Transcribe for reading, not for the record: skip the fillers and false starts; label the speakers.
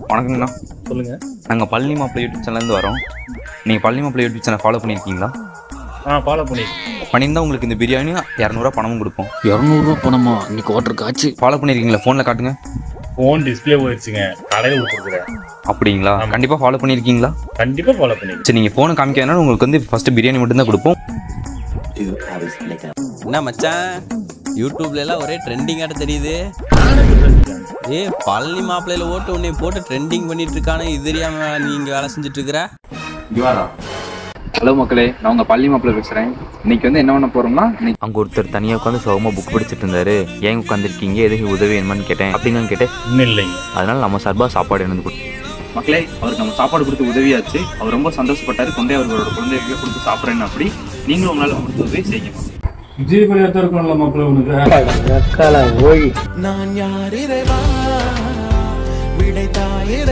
Speaker 1: வணக்கங்கண்ணா.
Speaker 2: சொல்லுங்க.
Speaker 1: நாங்கள் பழனி மாப்பிள்ளை யூடியூப் சேனல்லேருந்து வரோம். நீங்கள் Palani Mappillai YouTube channel follow பண்ணியிருக்கீங்களா?
Speaker 2: ஃபாலோ பண்ணியிருக்கேன்.
Speaker 1: பண்ணியிருந்தால் உங்களுக்கு இந்த பிரியாணி 200 பணமும் கொடுப்போம்.
Speaker 3: 200 பணமா? இன்னைக்கு வாட்டர் காய்ச்சி.
Speaker 1: ஃபாலோ பண்ணியிருக்கீங்களா? ஃபோனில் காட்டுங்க.
Speaker 2: ஃபோன் டிஸ்பிளே போயிடுச்சுங்க, கடையில் கொடுத்துருக்குறேன்.
Speaker 1: அப்படிங்களா? கண்டிப்பாக ஃபாலோ பண்ணியிருக்கீங்களா?
Speaker 2: கண்டிப்பாக ஃபாலோ பண்ணிருக்கேன்.
Speaker 1: சரி, நீங்கள் ஃபோனை காமிக்காதனால உங்களுக்கு வந்து ஃபஸ்ட்டு பிரியாணி மட்டும்தான் கொடுப்போம்.
Speaker 4: என்ன மச்சான், யூடியூப்ல எல்லாம் ஒரே ட்ரெண்டிங்காட்ட தெரியுது. பழனி மாப்பிள்ளையில ஓட்டு உன்னை போட்டு ட்ரெண்டிங் பண்ணிட்டு இருக்கானே, இது தெரியாம நீங்க வேலை செஞ்சுட்டு இருக்கிற.
Speaker 5: ஹலோ மக்களே, நான் உங்கள் பழனி மாப்பிள்ளை பேசுகிறேன். இன்னைக்கு வந்து என்ன பண்ண போகிறோம்னா,
Speaker 1: அங்கே ஒருத்தர் தனியாக உட்காந்து சோகமாக புக் படிச்சுட்டு இருந்தாரு. ஏன் உட்காந்துருக்கீங்க, எதுக்கு உதவி வேணுமான்னு கேட்டேன். அப்படின்னு கேட்டேன்.
Speaker 2: இன்னும் இல்லைங்க.
Speaker 1: அதனால நம்ம சார்பாக சாப்பாடு என்னது கொடுத்தோம்.
Speaker 5: மக்களே, அவருக்கு நம்ம சாப்பாடு கொடுத்து உதவியாச்சு. அவர் ரொம்ப சந்தோஷப்பட்டார். கொண்டே அவரோட குழந்தைகளுக்கு கொடுத்து சாப்பிட்றேன்னு. அப்படி நீங்களும் உங்களால் கொடுத்து உதவி செய்யுங்க.
Speaker 2: ஜீவனியாக இருக்கணும்ல மாப்பிள்ளை உனக்கு.
Speaker 6: நான் யார் இறைவா விடை தாயிர